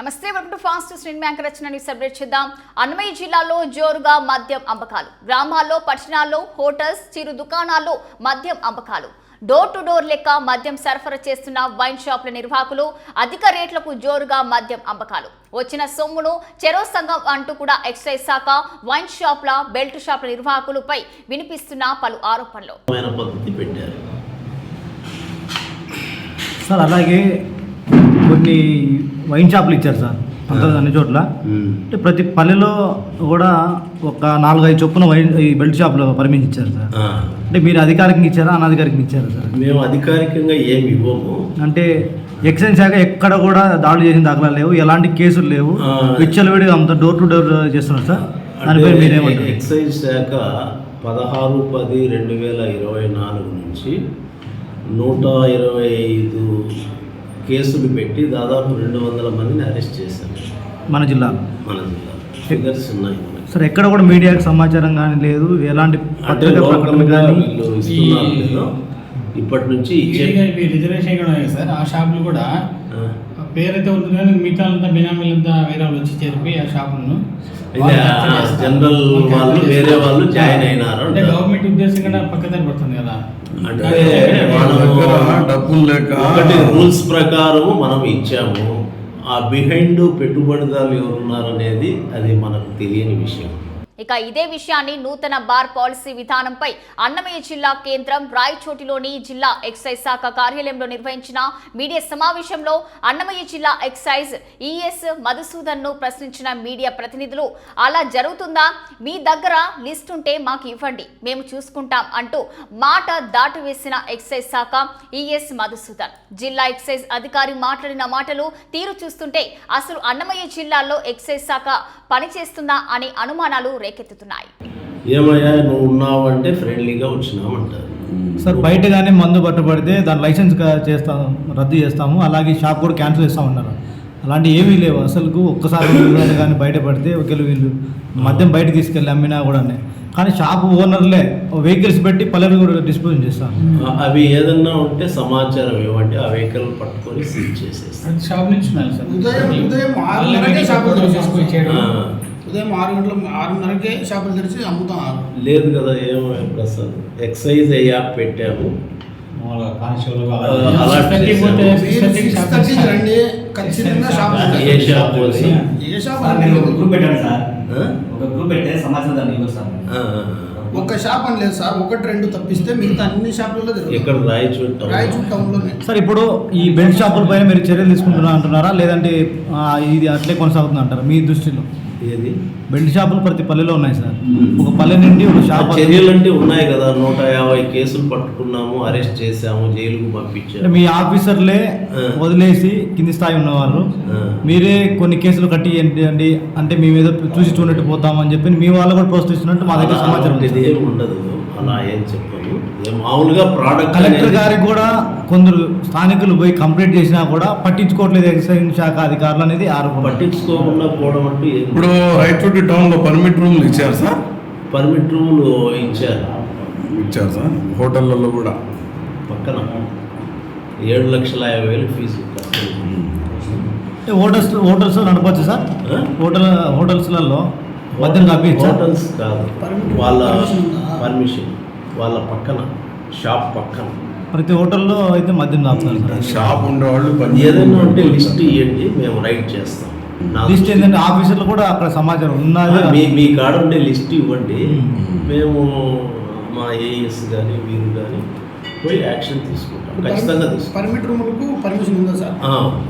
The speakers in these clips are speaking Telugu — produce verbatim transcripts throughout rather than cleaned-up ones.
నమస్తే, welcome to fast street bank రచనని సెలబ్రేట్ చేద్దాం. అన్నమయ్య జిల్లాలో జోరుగా మద్యం అమ్మకాలు. గ్రామాల్లో, పట్టణాల్లో, హోటల్స్, చిరు దుకాణాల్లో మద్యం అమ్మకాలు. డోర్ టు డోర్ లెక్క మద్యం సరఫరా చేస్తున్న వైన్ షాపుల నిర్వాహకులు అధిక రేట్లకు జోరుగా మద్యం అమ్మకాలు. వచ్చిన సొమ్మును చెరో సంఘం అంటూ కూడా ఎక్సైజ్ శాఖ వైన్ షాప్ల, బెల్ట్ షాపుల నిర్వాహకులపై వినిపిస్తున్న పలు ఆరోపణలు. సార్ అలాగే కొన్ని వైన్ షాపులు ఇచ్చారు సార్ అంత అన్ని చోట్ల. అంటే ప్రతి పల్లెలో కూడా ఒక నాలుగైదు చొప్పున వైన్ ఈ బెల్ట్ షాపులు పర్మిషన్ ఇచ్చారు సార్. అంటే మీరు అధికారికంగా ఇచ్చారా, అనధికారికంగా ఇచ్చారా సార్? మేము అధికారికంగా ఏమి ఇవ్వము. అంటే ఎక్సైజ్ శాఖ ఎక్కడ కూడా దాడులు చేసిన దాఖలా లేవు, ఎలాంటి కేసులు లేవు, విచ్చలవిడిగా అంత డోర్ టు డోర్ చేస్తున్నారు సార్. దానిపై మీరేమంటారు? ఎక్సైజ్ శాఖ పదహారు పది రెండు వేల ఇరవై నాలుగు నుంచి నూట ఇరవై ఐదు కేసులు పెట్టి దాదాపు రెండు వందల మందిని అరెస్ట్ చేశారు మన జిల్లాలో. మన జిల్లా ఫిగర్స్ ఉన్నాయి సార్. ఎక్కడ కూడా మీడియాకి సమాచారం కానీ లేదు, ఎలాంటి పత్రికా ప్రకటన కానీ ఇస్తున్నారు లేదు. ఇప్పటి నుంచి రిజర్వేషన్ కూడా సార్. ఆ షాపులు కూడా పేరైతే ఉంటుంది కానీ మిగతా అంతా బినామీలంతా వేరే వాళ్ళు వచ్చి చేరిపోయి ఆ షాపులను జనరల్ వాళ్ళు వేరే వాళ్ళు జాయిన్ అయినారు. అంటే గవర్నమెంట్ ఉద్దేశం కూడా పక్కదారి పడుతుంది కదా. అంటే డబ్బులు లేక ఒకటి రూల్స్ ప్రకారం మనం ఇచ్చాము. ఆ బిహైండ్ పెట్టుబడిదారులు ఎవరున్నారు అనేది అది మనకు తెలియని విషయం. ఇక ఇదే విషయాన్ని నూతన బార్ పాలసీ విధానంపై అన్నమయ్య జిల్లా కేంద్రం రాయచోటిలోని జిల్లా ఎక్సైజ్ శాఖ కార్యాలయంలో నిర్వహించిన మీడియా సమావేశంలో అన్నమయ్య జిల్లా ఎక్సైజ్ ఈఎస్ మధుసూదన్ ను ప్రశ్నించిన మీడియా ప్రతినిధులు, అలా జరుగుతుందా? మీ దగ్గర లిస్ట్ ఉంటే మాకు ఇవ్వండి, మేము చూసుకుంటాం అంటూ మాట దాటివేసిన ఎక్సైజ్ శాఖ ఈఎస్ మధుసూదన్. జిల్లా ఎక్సైజ్ అధికారి మాట్లాడిన మాటలు తీరు చూస్తుంటే అసలు అన్నమయ్య జిల్లాలో ఎక్సైజ్ శాఖ పనిచేస్తుందా అనే అనుమానాలు రేకెత్తుతున్నాయి. ఏమయ్యా నువ్వు ఉన్నావు అంటే ఫ్రెండ్లీగా వచ్చినామంటారు సార్. బయట కానీ మందు పట్టుబడితే దాని లైసెన్స్ చేస్తాము, రద్దు చేస్తాము, అలాగే షాప్ కూడా క్యాన్సిల్ చేస్తామన్నారు. అలాంటి ఏమీ లేవు అసలు. ఒక్కసారి కానీ బయటపడితే ఒకవేళ వీళ్ళు మద్యం బయట తీసుకెళ్ళి అమ్మినా కూడా, కానీ షాప్ ఓనర్లే వెహికల్స్ పెట్టి పల్లెలు కూడా డిస్పోజ్ చేస్తాం. అవి ఏదన్నా ఉంటే సమాచారం ఇవ్వండి, ఆ వెహికల్ పట్టుకొని సీజ్ చేసేస్తాం. షాప్ నుంచి ఉదయం ఉదయం ఆరున్నరకే షాపులు తెరిచేసుకొచ్చాడు. ఉదయం ఆరు గంటల ఆరున్నరకే షాపులు తెరిచి అమ్ముతాం. లేదు కదా ఏమో ప్రసాద్, ఎక్సైజ్ యాప్ పెట్టాము. రండి ఖచ్చితంగా షాప్ ఏ షాప్ ఏ షాప్ ఒక్క షాప్ అని లేదు సార్, ఒకటి రెండు తప్పిస్తే మిగతా అన్ని షాపులలో ఇక్కడ రాయచూట రాయచూట టౌన్లోనే. సార్ ఇప్పుడు ఈ బెల్ట్ షాపుల పైన మీరు చర్యలు తీసుకుంటున్నా అంటున్నారా, లేదంటే ఇది అట్లే కొనసాగుతుంది అంటారా మీ దృష్టిలో? ఏది బెల్ట్ షాపులు ప్రతి పల్లెలో ఉన్నాయి సార్. ఒక పల్లె నుండి ఒక షాప్ చర్యలు అంటే ఉన్నాయి కదా. నూట యాభై కేసులు పట్టుకున్నాము, అరెస్ట్ చేసాము, జైలుకు పంపించాము. మీ ఆఫీసర్లే వదిలేసి కింది స్థాయి ఉన్నవాళ్ళు మీరే కొన్ని కేసులు కట్టి ఏంటి అంటే మేము ఏదో చూసి చూడట్టు పోతామని చెప్పి మీ వాళ్ళు కూడా ప్రోత్సహిస్తున్నట్టు మా దగ్గర సమాచారం ఏమి ఉండదు. అలా ఏం చెప్పాము. మామూలుగా ప్రోడక్ట్ కలెక్టర్ గారికి కూడా కొందరు స్థానికులు పోయి కంప్లైంట్ చేసినా కూడా పట్టించుకోవట్లేదు ఎక్సైజ్ శాఖ అధికారులు అనేది ఆరోపణ. పట్టించుకోకుండా పోవడం అంటూ ఇప్పుడు రాయచోటి టౌన్లో పర్మిట్ రూమ్లు ఇచ్చారు సార్. పర్మిట్ రూమ్లు ఇచ్చారు ఇచ్చారు సార్. హోటళ్ళల్లో కూడా పక్కన ఏడు లక్షల యాభై వేలు ఫీజు. హోటల్స్ హోటల్స్ నడపచ్చు సార్. హోటల్ హోటల్స్లలో మద్యం కాపీ హోటల్స్ కాదు, వాళ్ళ పర్మిషన్ వాళ్ళ పక్కన షాప్ పక్కన ప్రతి హోటల్లో అయితే మద్యం కాపుతారు. షాప్ ఉండేవాళ్ళు ఏదైనా ఉంటే లిస్ట్ ఇవ్వండి, మేము రైట్ చేస్తాం. లిస్ట్ ఏంటంటే ఆఫీసర్లు కూడా అక్కడ సమాచారం ఉన్నది. మీ మీ కాడ ఉండే లిస్ట్ ఇవ్వండి, మేము మా ఏఎస్ కానీ మీరు కానీ పోయి యాక్షన్ తీసుకుంటాం. ఖచ్చితంగా తీసుకుంటాం. పర్మిట్ రూములకు పర్మిషన్ ఉందా సార్?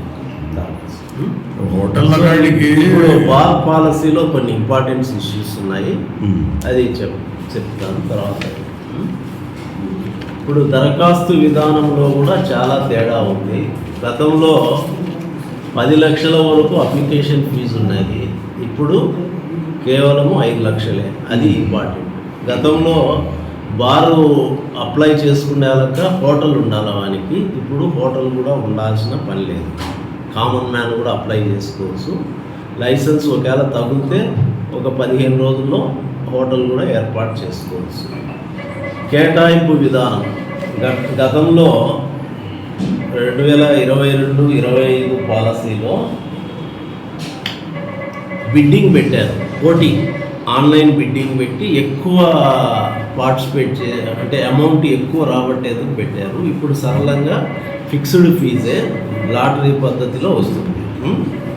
హోటల్ బార్ పాలసీలో కొన్ని ఇంపార్టెంట్ ఇష్యూస్ ఉన్నాయి, అది చెప్ చెప్తాను తర్వాత. ఇప్పుడు దరఖాస్తు విధానంలో కూడా చాలా తేడా ఉంది. గతంలో పది లక్షల వరకు అప్లికేషన్ ఫీజు ఉన్నది, ఇప్పుడు కేవలము ఐదు లక్షలే. అది ఇంపార్టెంట్. గతంలో బారు అప్లై చేసుకునేలాక హోటల్ ఉండాలి వానికి, ఇప్పుడు హోటల్ కూడా ఉండాల్సిన పని లేదు. కామన్ మ్యాన్ కూడా అప్లై చేసుకోవచ్చు. లైసెన్స్ ఒకవేళ తగిలితే ఒక పదిహేను రోజుల్లో హోటల్ కూడా ఏర్పాటు చేసుకోవచ్చు. కేటాయింపు విధానం గతంలో రెండు వేల ఇరవై రెండు ఇరవై ఐదు పాలసీలో బిడ్డింగ్ పెట్టారు, పోటీ ఆన్లైన్ బిడ్డింగ్ పెట్టి ఎక్కువ పార్టిసిపేట్ చే అంటే అమౌంట్ ఎక్కువ రాబట్టేందుకు పెట్టారు. ఇప్పుడు సరళంగా ఫిక్స్డ్ ఫీజే లాటరీ పద్ధతిలో వస్తుంది. ఉం?